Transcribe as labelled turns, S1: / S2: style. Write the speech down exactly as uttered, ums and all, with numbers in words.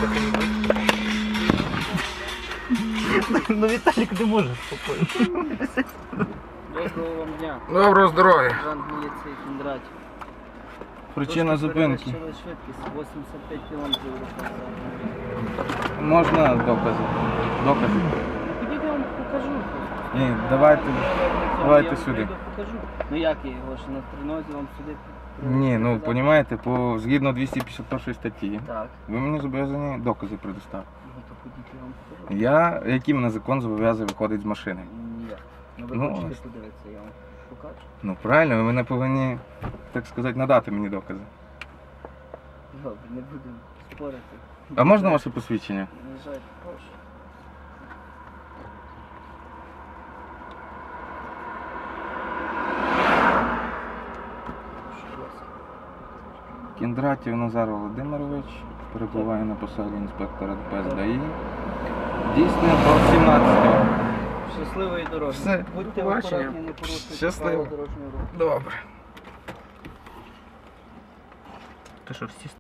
S1: Ну Віталік не може спокійно.
S2: Доброго вам дня.
S3: Доброго здоров'я.
S2: Сержант міліції Кондратів.
S3: Причина зупинки.
S2: Перевищили швидкість вісімдесят п'ять кілометрів за годину.
S3: Можна докази? Докази?
S2: Підійду, я вам покажу.
S3: Ні, давайте. Давайте
S2: я
S3: сюди.
S2: Я покажу. Ну як я його, що на тренозі вам сюди?
S3: Ні, ну
S2: показати?
S3: розумієте, по згідно двісті п'ятдесят першої статті,
S2: Так.
S3: ви мені зобов'язані докази предоставити.
S2: Ну то ходіть, я вам покажу.
S3: Я, який мене закон зобов'язує виходити з машини?
S2: Ні. Ну ви
S3: Ну,
S2: хочете
S3: ось.
S2: подивитися, я вам покажу.
S3: Ну правильно, ви мене повинні, так сказати, надати мені докази.
S2: Добре, не будемо спорити.
S3: А можна ваше посвідчення?
S2: На жаль, прошу. Прошу вас.
S3: Кіндратів Назар Володимирович перебуває на посаді інспектора ДПС ДАІ. Дійсно до сімнадцятого.
S2: Щасливої дороги.
S3: Все,
S2: Будьте
S3: до побачення.
S2: акуратні, не порушуйте
S3: Щасливо.
S2: правил дорожнього руху.
S3: Добре.
S1: Ти що, всі